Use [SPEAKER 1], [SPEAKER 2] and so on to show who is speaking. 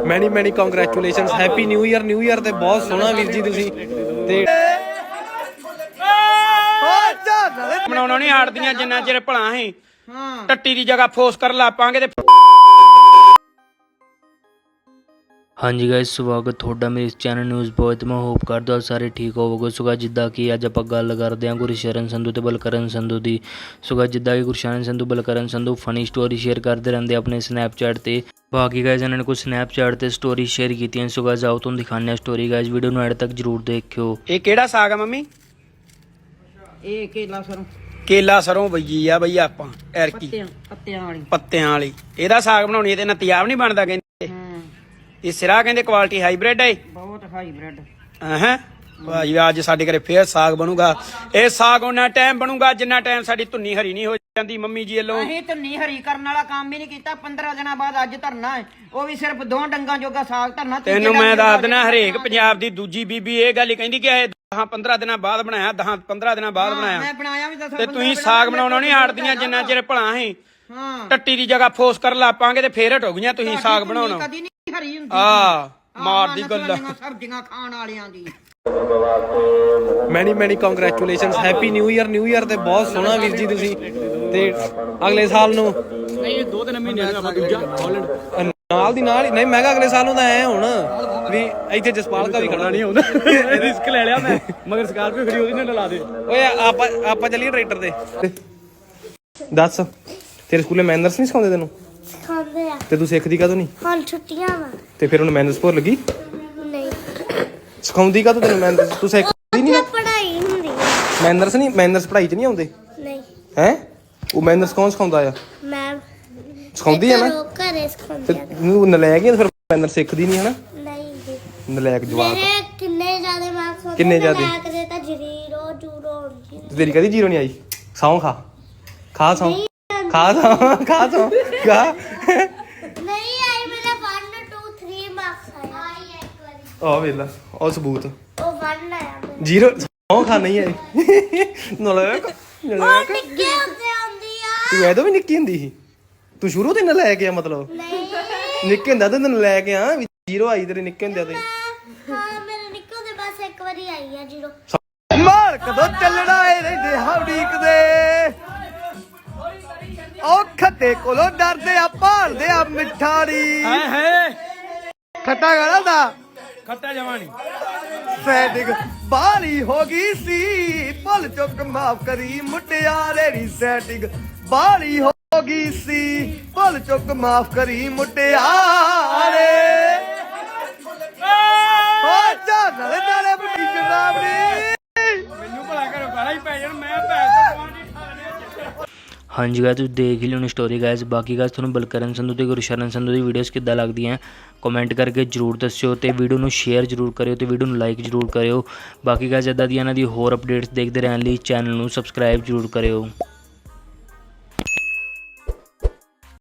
[SPEAKER 1] ਮੈਨੀ congratulations, happy new year ਤੇ ਬਹੁਤ ਸੋਹਣਾ ਵੀਰ ਜੀ ਤੁਸੀਂ ਤੇ
[SPEAKER 2] ਬਣਾਉਣਾ ਨਹੀਂ ਹਾਰਦੀਆਂ ਜਿੰਨਾ ਚਿਰ ਭਲਾ ਹੀ ਟੱਟੀ ਦੀ ਜਗ੍ਹਾ ਫੋਰਸ ਕਰ ਲਾਪਾਂਗੇ ਤੇ
[SPEAKER 3] ਹਾਂਜੀ ਗਾਇਸ, ਸਵਾਗਤ ਤੁਹਾਡਾ ਮੇਰੇ ਇਸ ਚੈਨਲ ਨਿਊਜ਼ ਬॉय ਤੇ ਮੈਂ ਹੋਪ ਕਰਦਾ ਸਾਰੇ ਠੀਕ ਹੋਵੋਗੇ। ਸੋ ਗਾਇਸ, ਜਿੱਦਾਂ ਕਿ ਅੱਜ ਆਪਾਂ ਗੱਲ ਕਰਦੇ ਹਾਂ ਗੁਰਸ਼ਰਨ ਸੰਧੂ ਤੇ ਬਲਕਰਨ ਸੰਧੂ ਦੀ। ਸੋ ਗਾਇਸ, ਜਿੱਦਾਂ ਕਿ Gursharan Sandhu Balkaran Sandhu funny story share ਕਰਦੇ ਰਹਿੰਦੇ ਆਪਣੇ ਸਨੈਪਚੈਟ ਤੇ। ਬਾਕੀ ਗਾਇਸ ਇਹਨਾਂ ਨੇ ਕੁਝ ਸਨੈਪਚੈਟ ਤੇ ਸਟੋਰੀ ਸ਼ੇਅਰ ਕੀਤੀਆਂ। ਸੋ ਗਾਇਸ ਆਓ ਤੁਹਾਨੂੰ ਦਿਖਾਉਂਦੇ ਹਾਂ ਸਟੋਰੀ। ਗਾਇਸ ਵੀਡੀਓ ਨੂੰ ਐਡ ਤੱਕ ਜਰੂਰ ਦੇਖਿਓ।
[SPEAKER 2] ਇਹ ਕਿਹੜਾ ਸਾਗ ਆ ਮੰਮੀ?
[SPEAKER 4] ਇਹ
[SPEAKER 2] ਕੇਲਾ ਸਰੋਂ ਬਈਜੀ ਆ ਬਈ ਆਪਾਂ ਐਰਕੀ ਪੱਤਿਆਂ ਵਾਲੀ। ਇਹਦਾ ਸਾਗ ਬਣਾਉਣੀ ਤੇ ਨਤੀਆਬ ਨਹੀਂ ਬਣਦਾ ਕਹਿੰਦੇ। ਇਹ ਸਿਰਾ ਕਹਿੰਦੇ ਕੁਆਲਿਟੀ ਹਾਈਬ੍ਰਿਡ ਹੈ,
[SPEAKER 4] ਬਹੁਤ ਹਾਈਬ੍ਰਿਡ।
[SPEAKER 2] ਹਾਂ ਭਾਜੀ ਅੱਜ ਸਾਡੇ ਘਰੇ ਫੇਰ ਸਾਗ ਬਣੂਗਾ। ਇਹ ਸਾਗ ਉਹਨਾਂ ਟਾਈਮ ਬਣੂਗਾ ਜਿੰਨਾ ਟਾਈਮ ਸਾਡੀ ਧੁੰਨੀ ਹਰੀ ਨਹੀਂ ਹੋ ਜਾਂਦੀ ਮੰਮੀ ਜੀ ਵੱਲੋਂ।
[SPEAKER 4] ਅਸੀਂ ਧੁੰਨੀ ਹਰੀ ਕਰਨ ਵਾਲਾ ਕੰਮ ਹੀ ਨਹੀਂ ਕੀਤਾ। 15 ਦਿਨਾਂ ਬਾਅਦ ਅੱਜ ਧਰਨਾ ਹੈ, ਉਹ ਵੀ ਸਿਰਫ 2 ਡੰਗਾਂ ਜੋਗਾ ਸਾਗ ਧਰਨਾ।
[SPEAKER 2] ਤੈਨੂੰ ਮੈਂ ਦੱਸ ਦੇਣਾ, ਹਰੇਕ ਪੰਜਾਬ ਦੀ ਦੂਜੀ ਬੀਬੀ ਇਹ ਗੱਲ ਹੀ ਕਹਿੰਦੀ ਕਿ ਇਹ 10-15 ਦਿਨਾਂ ਬਾਅਦ ਬਣਾਇਆ, 10-15 ਦਿਨਾਂ ਬਾਅਦ ਬਣਾਇਆ।
[SPEAKER 4] ਮੈਂ ਬਣਾਇਆ ਵੀ
[SPEAKER 2] ਤੇ ਤੁਸੀਂ ਸਾਗ ਬਣਾਉਣਾ ਨਹੀਂ ਹਾਰਦੀਆਂ ਜਿੰਨਾ ਚਿਰ ਭਲਾ ਹੀ
[SPEAKER 4] ਹਾਂ
[SPEAKER 2] ਟੱਟੀ ਦੀ ਜਗ੍ਹਾ ਫੋਰਸ ਕਰ ਲਾਪਾਂਗੇ ਤੇ ਫੇਰ ਹਟ ਹੋ ਗਈਆਂ ਤੁਸੀਂ ਸਾਗ ਬਣਾਉਣਾ।
[SPEAKER 4] ਕਦੀ ਨਹੀਂ ਹਰੀ ਹੁੰਦੀ
[SPEAKER 2] ਮਾਰਦੀ ਗੱਲ
[SPEAKER 4] ਸਬਜ਼ੀਆਂ ਖਾਣ ਵਾਲਿਆਂ ਦੀ।
[SPEAKER 1] ਮੈਨੀ ਕੰਗ੍ਰੈਚੁਲੇਸ਼ਨਸ, ਹੈਪੀ ਨਿਊ ਈਅਰ ਤੇ ਬਹੁਤ ਸੋਹਣਾ ਵੀਰ ਜੀ ਤੁਸੀਂ ਤੇ ਅਗਲੇ ਸਾਲ ਨੂੰ
[SPEAKER 2] ਨਹੀਂ 2-3 ਮਹੀਨੇ ਆਪਾਂ ਦੂਜਾ ਹਾਲੈਂਡ
[SPEAKER 1] ਨਾਲ ਦੀ ਨਾਲ ਹੀ ਨਹੀਂ। ਮੈਂ ਕਿਹਾ ਅਗਲੇ ਸਾਲ ਨੂੰ ਤਾਂ ਐ ਹੁਣ ਵੀ ਇੱਥੇ ਜਸਪਾਲ ਦਾ ਵੀ ਖੜਾ ਨਹੀਂ ਹੁੰਦਾ।
[SPEAKER 2] ਰਿਸਕ ਲੈ ਲਿਆ ਮੈਂ, ਮਗਰ ਸਕਾਰਪੀਓ ਖੜੀ ਉਹਦੀ ਨਾਲ ਲਾ ਦੇ।
[SPEAKER 1] ਓਏ ਆਪਾਂ ਚੱਲੀਏ ਟਰੈਕਟਰ ਤੇ। ਦੱਸ ਤੇਰੇ ਸਕੂਲੇ ਮੈਨਰਸ ਨਹੀਂ ਸਿਖਾਉਂਦੇ ਤੈਨੂੰ?
[SPEAKER 5] ਸਿਖਾਉਂਦੇ ਆ।
[SPEAKER 1] ਤੇ ਤੂੰ ਸਿੱਖਦੀ ਕਾਹਤੋਂ ਨਹੀਂ?
[SPEAKER 5] ਹੁਣ ਛੁੱਟੀਆਂ ਵਾ।
[SPEAKER 1] ਤੇ ਫਿਰ ਉਹਨੂੰ ਮੈਨਰਸ ਭੁੱਲ ਲੱਗੀ?
[SPEAKER 5] ਨਹੀਂ,
[SPEAKER 1] ਸਿਖਾਉਂਦੀ ਕਾਹਤੋਂ ਤੈਨੂੰ ਮੈਨਰਸ? ਤੂੰ ਸਿੱਖਦੀ ਨਹੀਂ ਨਾ
[SPEAKER 5] ਪੜ੍ਹਾਈ ਹੁੰਦੀ ਆ।
[SPEAKER 1] ਮੈਨਰਸ ਨਹੀਂ? ਮੈਨਰਸ ਪੜ੍ਹਾਈ 'ਚ ਨਹੀਂ ਆਉਂਦੇ
[SPEAKER 5] ਨਹੀਂ
[SPEAKER 1] ਹੈ? ਉਹ ਮੈਨਰਸ ਕੌਣ ਸਿਖਾਉਂਦਾ ਆ?
[SPEAKER 5] ਮੈਂ
[SPEAKER 1] ਸਿਖਾਉਂਦੀ ਆ ਨਾ
[SPEAKER 5] ਘਰੇ
[SPEAKER 1] ਤੇ
[SPEAKER 5] ਸਿਖਾਉਂਦੀ ਆ।
[SPEAKER 1] ਤੂੰ ਨਲਾਇਕ ਹੀ ਫਿਰ ਮੈਨਰਸ ਸਿੱਖਦੀ ਨਹੀਂ ਹਨਾ?
[SPEAKER 5] ਨਹੀਂ ਜੀ,
[SPEAKER 1] ਨਲਾਇਕ ਜਵਾਬ।
[SPEAKER 5] ਮੇਰੇ ਕਿੰਨੇ ਜ਼ਿਆਦਾ ਮਾਰਕਸ ਹੁੰਦੇ?
[SPEAKER 1] ਕਿੰਨੇ ਜ਼ਿਆਦੇ?
[SPEAKER 5] ਮੈਂ ਕਦੇ ਤਾਂ ਜ਼ੀਰੋ ਹੁੰਦੀ।
[SPEAKER 1] ਤੇ ਤੇਰੀ ਕਦੀ ਜੀਰੋ ਨਹੀਂ ਆਈ? ਸੌਂ ਖਾ ਸੌਂ ਖਾ
[SPEAKER 5] ਨਹੀਂ ਆਈ, ਮੇਰਾ 1 2 3 ਮਾਰਕਸ ਆਇਆ ਇੱਕ ਵਾਰੀ।
[SPEAKER 1] ਆ ਵੇਲਾ ਉਹ ਸਬੂਤ।
[SPEAKER 5] ਉਹ 1 ਆਇਆ ਮੈਨੂੰ।
[SPEAKER 1] ਜੀਰੋ ਸੌਂ ਖਾ ਨਹੀਂ ਆਈ। ਨਲਾਇਕ
[SPEAKER 5] ਉਹ ਨਿੱਕੇ ਹੁੰਦੇ ਆਉਂਦੀ ਆ।
[SPEAKER 1] ਤੂੰ ਐਦੋਂ ਵੀ ਨਿੱਕੀ ਹੁੰਦੀ ਸੀ? ਤੂੰ ਸ਼ੁਰੂ ਤੋਂ ਲੈ ਕੇ ਆ ਮਤਲਬ?
[SPEAKER 5] ਨਹੀਂ
[SPEAKER 1] ਨਿੱਕੇ ਹੁੰਦਾ ਤੈਨੂੰ ਲੈ ਕੇ ਆ ਵੀ ਜੀਰੋ ਆਈ ਤੇਰੇ ਨਿੱਕੇ ਹੁੰਦਿਆਂ ਤੇ?
[SPEAKER 5] ਹਾਂ, ਮੇਰੇ ਨਿੱਕੇ ਹੁੰਦੇ ਬਸ ਇੱਕ ਵਾਰੀ ਆਈ ਆ ਜ਼ੀਰੋ।
[SPEAKER 1] ਮਾਰ ਕਦੋਂ ਚੱਲਣਾ ਏ ਰਹਿੰਦੇ ਹੌਡੀਕਦੇ ਉਹ ਖੱਤੇ ਕੋਲੋਂ ਡਰਦੇ ਆ, ਭਾਲਦੇ ਆ ਮਿੱਠਾੜੀ।
[SPEAKER 2] ਹੈ
[SPEAKER 1] ਖੱਟਾ ਗਾਣਾ ਦਾ
[SPEAKER 2] ਖੱਟਾ ਜਵਾਨੀ
[SPEAKER 1] ਸੈਟਿੰਗ ਬਾਹਲੀ ਹੋ ਗਈ ਸੀ, ਭੁੱਲ ਚੁੱਕ ਮਾਫ ਕਰੀ ਮੁਟਿਆਰੇ ਦੀ ਸੈਟਿੰਗ ਬਾਹਲੀ ਹੋ ਗਈ ਸੀ, ਭੁੱਲ ਚੁੱਕ ਮਾਫ ਕਰੀ ਮੁਟਿਆਰੇ। ਹੋ ਜਾ ਨਾਲੇ ਬੁੱਢੀ ਸ਼ਰਾਬੜੀ
[SPEAKER 2] ਮੈਨੂੰ ਭਲਾ ਕਰੋ ਗਾਲਾਂ ਹੀ ਪੈ ਜਾਣ। ਮੈਂ ਭੈਣ ਤੋਂ
[SPEAKER 3] ਹਾਂਜੀ ਗਾਇਸ, ਤੁਸੀਂ ਦੇਖ ਹੀ ਲਿਓ ਸਟੋਰੀ। ਗਾਇਸ ਬਾਕੀ ਗਾਇਸ ਤੁਹਾਨੂੰ ਬਲਕਰਨ ਸੰਧੂ ਤੇ ਗੁਰਸ਼ਰਨ ਸੰਧੂ ਦੀ ਵੀਡੀਓਜ਼ ਕਿੱਦਾਂ ਲੱਗਦੀਆਂ ਕਮੈਂਟ ਕਰਕੇ ਜਰੂਰ ਦੱਸਿਓ ਤੇ ਵੀਡੀਓ ਨੂੰ ਸ਼ੇਅਰ ਜਰੂਰ ਕਰਿਓ ਤੇ ਵੀਡੀਓ ਨੂੰ ਲਾਈਕ ਜਰੂਰ ਕਰਿਓ। ਬਾਕੀ ਗਾਇਸ ਇੱਦਾਂ ਦੀਆਂ ਇਹਨਾਂ ਦੀ ਹੋਰ ਅਪਡੇਟਸ ਦੇਖਦੇ ਰਹਿਣ ਲਈ ਚੈਨਲ ਨੂੰ ਸਬਸਕ੍ਰਾਈਬ ਜਰੂਰ ਕਰਿਓ।